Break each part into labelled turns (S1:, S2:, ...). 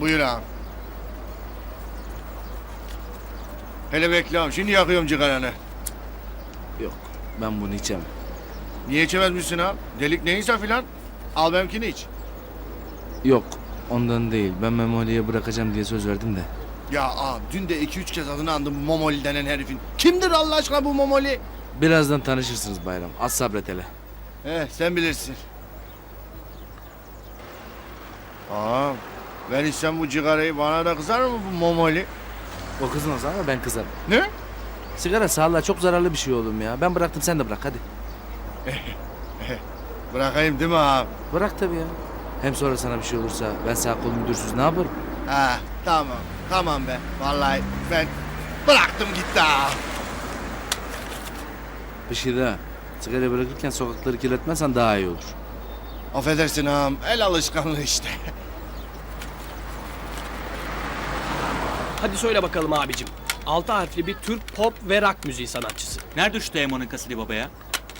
S1: Buyur ağam. Hele bekle ağam. Şimdi yakıyorum cigaranı.
S2: Yok, ben bunu içemem.
S1: Niye içemezmişsin ağam? Delik neyse filan. Al benimkini iç.
S2: Yok, ondan değil. Ben Memoli'ye bırakacağım diye söz verdim de.
S1: Ya ağam dün de 2-3 kez adını andım bu Momoli denen herifin. Kimdir Allah aşkına bu Momoli?
S2: Birazdan tanışırsınız Bayram. Az sabret hele.
S1: Sen bilirsin. Ağam ben içsem bu cigarayı bana da kızar mı bu Momoli?
S2: O kızmaz ama ben kızarım.
S1: Ne?
S2: Sigara sağlığa çok zararlı bir şey oğlum ya. Ben bıraktım, sen de bırak hadi.
S1: Bırakayım değil mi ağam?
S2: Bırak tabii ya. Hem sonra sana bir şey olursa ben sağ kol müdürsüz ne yaparım?
S1: Ha tamam. Tamam be. Vallahi ben bıraktım gitti ağam.
S2: Bir şey daha. Sigara bırakırken sokakları kirletmezsen daha iyi olur.
S1: Affedersin ağam. El alışkanlığı işte.
S3: Hadi söyle bakalım abicim. 6 harfli bir Türk pop ve rock müziği sanatçısı.
S4: Nerede şu Teoman'ın kaseti baba ya?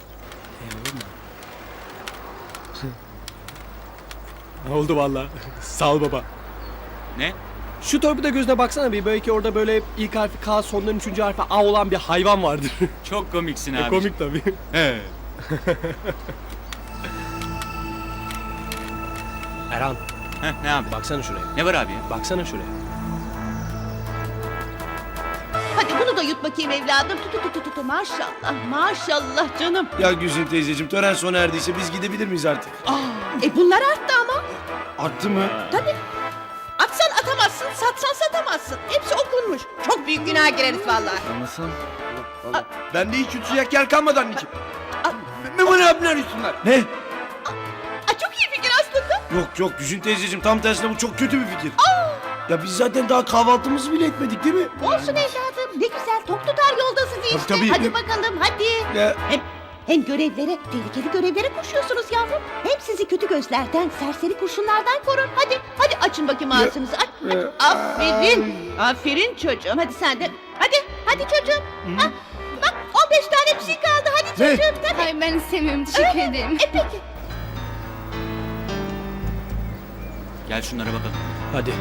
S3: Oldu valla. Sağ ol baba.
S4: Ne?
S3: Şu torpida gözüne baksana bir, belki orada böyle ilk harfi K, sonların 3. harfi A olan bir hayvan vardır.
S4: Çok komiksin abi.
S3: Komik tabii.
S1: He.
S3: Erhan,
S4: Ne abi?
S3: baksana şuraya.
S4: Ne var abi ya?
S3: Baksana şuraya.
S5: Hadi bunu da yut bakayım evladım. Tut. Maşallah, maşallah canım.
S6: Ya Gülsün teyzeciğim, tören sona erdiyse biz gidebilir miyiz artık?
S5: Bunlar arttı ama.
S6: Arttı mı?
S5: Tabii. Atsan atamazsın, satsan satamazsın. Hepsi okunmuş. Çok büyük günah gireriz vallahi.
S6: Anlasın. Bende hiç yutacak yer kalmadı anneciğim.
S5: Aa.
S6: Memoli abiler üstünler. Ne?
S5: Çok iyi fikir aslında.
S6: Yok Gülsün teyzeciğim, tam tersine bu çok kötü bir fikir. Ya biz zaten daha kahvaltımızı bile etmedik değil mi?
S5: Olsun evladım. Ne güzel tok tutar yoldasınız işte.
S6: Tabii.
S5: Hadi bakalım hadi.
S6: Ya,
S5: Hem görevlere, tehlikeli görevlere koşuyorsunuz yavrum. Hem sizi kötü gözlerden, serseri kurşunlardan korur. Hadi açın bakayım ağzınızı. Aç. Aferin. Aferin çocuğum. Hadi sen de. Hadi çocuğum. Ha, bak 15 tane bir şey kaldı. Hadi çocuğum. Tabii.
S7: Hayır ben istemiyorum, teşekkür ederim.
S5: Peki.
S4: Gel şunlara bakalım.
S3: Hadi.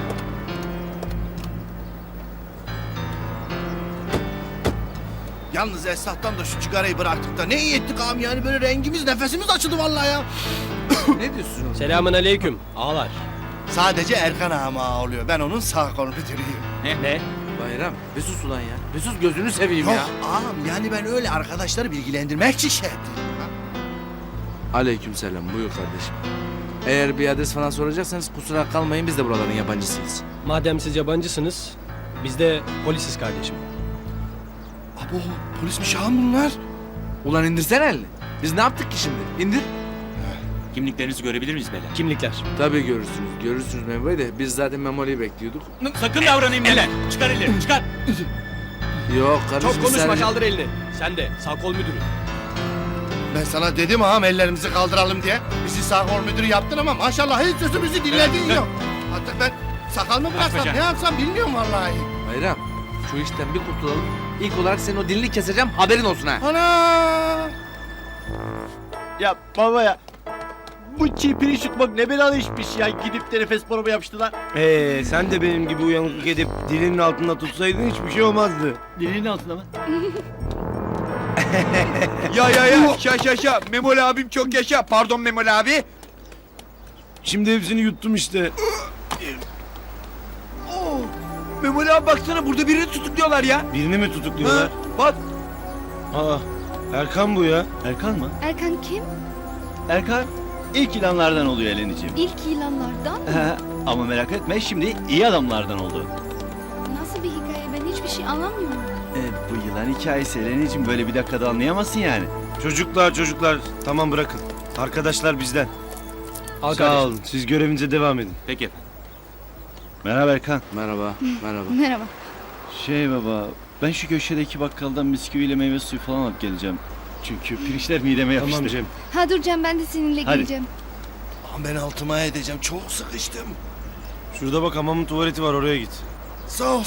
S1: Yalnız Esnaf'tan da şu cigarayı bıraktık da ne iyi ettik ağam yani böyle rengimiz nefesimiz açıldı vallahi ya.
S2: Ne diyorsun?
S3: Selamun aleyküm. Ağlar.
S1: Sadece Erkan ağam ağa oluyor. Ben onun sağ kol müdürüyüm.
S3: Ne?
S2: Bayram, bir sus ulan ya. Bir sus, gözünü seveyim
S1: Yok
S2: ya.
S1: ağam yani ben öyle arkadaşları bilgilendirmek için şey ettim. Ha?
S2: Aleykümselam, buyur kardeşim. Eğer bir adres falan soracaksanız kusura kalmayın, biz de buraların yabancısıyız.
S3: Madem siz yabancısınız, biz de polisiz kardeşim.
S1: Abo polismiş ağam bunlar.
S2: Ulan indirsene elini. Biz ne yaptık ki şimdi? İndir.
S4: Kimliklerinizi görebilir miyiz beyler?
S3: Kimlikler.
S2: Tabii görürsünüz Memur Bey de biz zaten Memoli'yi bekliyorduk.
S4: Sakın davranayım beyler. Çıkar ellerini çıkar.
S2: Yok kardeşim
S3: Çok konuşma,
S2: sadece-
S3: kaldır elini. Sen de sağ kol müdürü.
S1: Ben sana dedim ağam ellerimizi kaldıralım diye. Bizi sağ kol müdürü yaptın ama maşallah hiç sözümüzü dinlediğin yok. Artık ben sakal mı bıraksam
S4: bacağım.
S1: ne yapsam bilmiyorum vallahi.
S2: Bayram, şu işten bir kurtulalım. İlk olarak senin o dilini keseceğim, haberin olsun ha.
S1: Ana!
S8: Ya baba ya. Bu çiğ pirinç yutmak ne belalı işmiş ya. Gidip de nefes boruma yapıştılar.
S6: sen de benim gibi uyanıklık edip dilinin altında tutsaydın hiçbir şey olmazdı.
S8: Dilinin altında mı?
S9: Ya yaşa Memoli abim çok yaşa. Pardon Memoli abi.
S6: Şimdi hepsini yuttum işte.
S9: Memoli abi baksana burada birini tutukluyorlar ya.
S6: Birini mi tutukluyorlar?
S9: Bak.
S6: Aa, Erkan bu ya.
S8: Erkan mı?
S7: Erkan kim?
S8: Erkan ilk ilanlardan oluyor Eleniciğim.
S7: İlk ilanlardan.
S8: Ama merak etme şimdi iyi adamlardan oldu.
S7: Nasıl bir hikaye, ben hiçbir şey anlamıyorum.
S8: Bu yılan hikayesi Eleniciğim böyle bir dakikada anlayamazsın yani.
S6: Çocuklar tamam bırakın. Arkadaşlar bizden.
S3: Al
S6: Sağ
S3: kardeşim.
S6: olun, siz görevinize devam edin.
S4: Peki efendim.
S8: Merhaba Erkan.
S2: Merhaba.
S7: Merhaba.
S8: Baba ben şu köşedeki bakkaldan bisküviyle meyve suyu falan alıp geleceğim. Çünkü pirinçler mideme yapıştı.
S6: Tamam Cem.
S7: Ha dur Cem, ben de seninle
S8: Hadi.
S7: geleceğim.
S1: Ağam ben altıma edeceğim çok sıkıştım.
S6: Şurada bak hamamın tuvaleti var, oraya git.
S1: Sağ ol.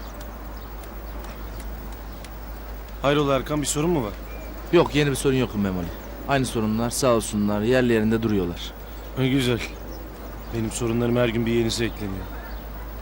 S6: Hayrola Erkan, bir sorun mu var?
S2: Yok, yeni bir sorun yok Memoli. Aynı sorunlar sağ olsunlar yerli yerinde duruyorlar.
S6: Ne güzel. Benim sorunlarım her gün bir yenisi ekleniyor.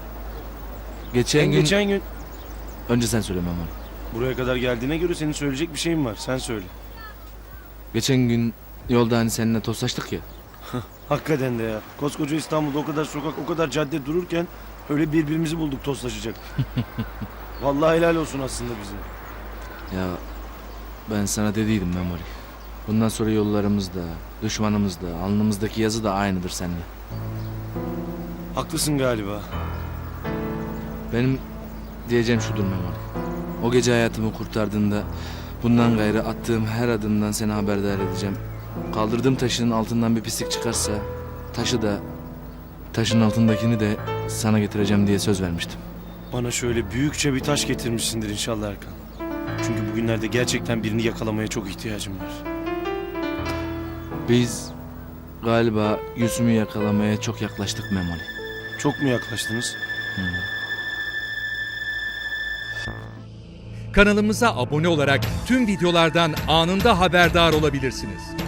S2: Geçen gün...
S6: Geçen gün
S2: Önce sen söyle Memoli.
S6: buraya kadar geldiğine göre senin söyleyecek bir şeyin var. Sen söyle.
S2: Geçen gün yolda hani seninle tostlaştık ya.
S6: Hakikaten de ya. Koskoca İstanbul'da o kadar sokak, o kadar cadde dururken öyle birbirimizi bulduk tostlaşacak. Vallahi helal olsun aslında bize.
S2: Ya ben sana dediydim Memoli. Bundan sonra yollarımız da, düşmanımız da, alnımızdaki yazı da aynıdır seninle.
S6: Haklısın galiba.
S2: Benim diyeceğim şudur Memoli. O gece hayatımı kurtardığında bundan gayrı attığım her adımdan seni haberdar edeceğim. Kaldırdığım taşın altından bir pislik çıkarsa taşı da taşın altındakini de sana getireceğim diye söz vermiştim.
S6: Bana şöyle büyükçe bir taş getirmişsindir inşallah Erkan. Çünkü bugünlerde gerçekten birini yakalamaya çok ihtiyacım var.
S2: Biz galiba Gülsüm'ü yakalamaya çok yaklaştık Memoli.
S6: Çok mu yaklaştınız?
S10: Kanalımıza abone olarak tüm videolardan anında haberdar olabilirsiniz.